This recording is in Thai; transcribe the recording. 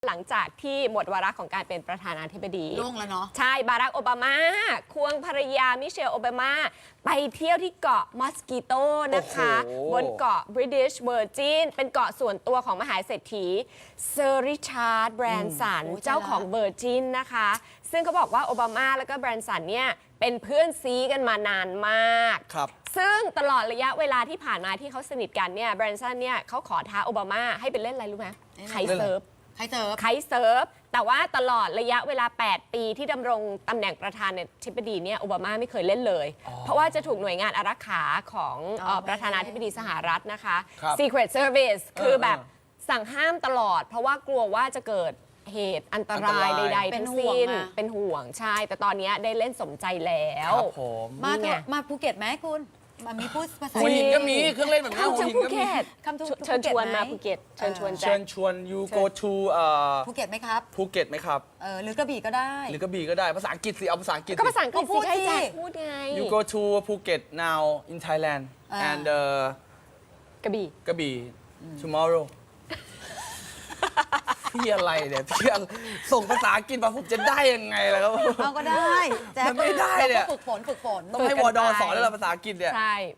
หลังจากที่หมดวาระของการเป็นประธานาธิบดีล่วงแล้วเนาะใช่บารักโอบามาควงภรรยามิเชลโอบามาไปเที่ยวที่เกาะมอสกิโตนะคะบนเกาะ British Virgin เป็นเกาะส่วนตัวของมหาเศรษฐีเซอร์ริชาร์ดแบรนสันเจ้าของ Virgin นะคะซึ่งเขาบอกว่าโอบามาแล้วก็แบรนสันเนี่ยเป็นเพื่อนซีกันมานานมากซึ่งตลอดระยะเวลาที่ผ่านมาที่เขาสนิทกันเนี่ยแบรนสันเนี่ยเขาขอท้าโอบามาให้เป็นเล่นอะไรรู้ไหมไคเซิร์ฟแต่ว่าตลอดระยะเวลา 8 ปีที่ดำรงตำแหน่งประธานาธิบดีเนี่ยโอบามาไม่เคยเล่นเลย เพราะว่าจะถูกหน่วยงานอารักขาของประธานาธิบดีสหรัฐนะคะ Secret Service คือแบบสั่งห้ามตลอด เพราะว่ากลัวว่าจะเกิดเหตุอันตรายใดๆทั้งสิ้นเป็นห่วงใช่แต่ตอนนี้ได้เล่นสมใจแล้วมาภูเก็ตไหมคุณมีพูดภาษาหัวหินก็มีเครื่องเล่นแบบนี้หัวหินก็มีเชิญชวนมาภูเก็ตเชิญชวน you go to ภูเก็ตไหมครับภูเก็ตไหมครับหรือกระบี่ก็ได้หรือกระบี่ก็ได้ภาษาอังกฤษสิเอาภาษาอังกฤษก็ภาษาอังกฤษสิให้แจ็คพูดไง you go to Phuket now in Thailand and กระบี่ tomorrow พี่อะไรเนี่ยพี่ส่งภาษาอังกฤษมาผมจะได้ยังไงล่ะครับเอาก็ได้มันไม่ได้เนี่ยฝึกฝนต้องให้วอดอสอนแล้วภาษาอังกฤษเนี่ยใช่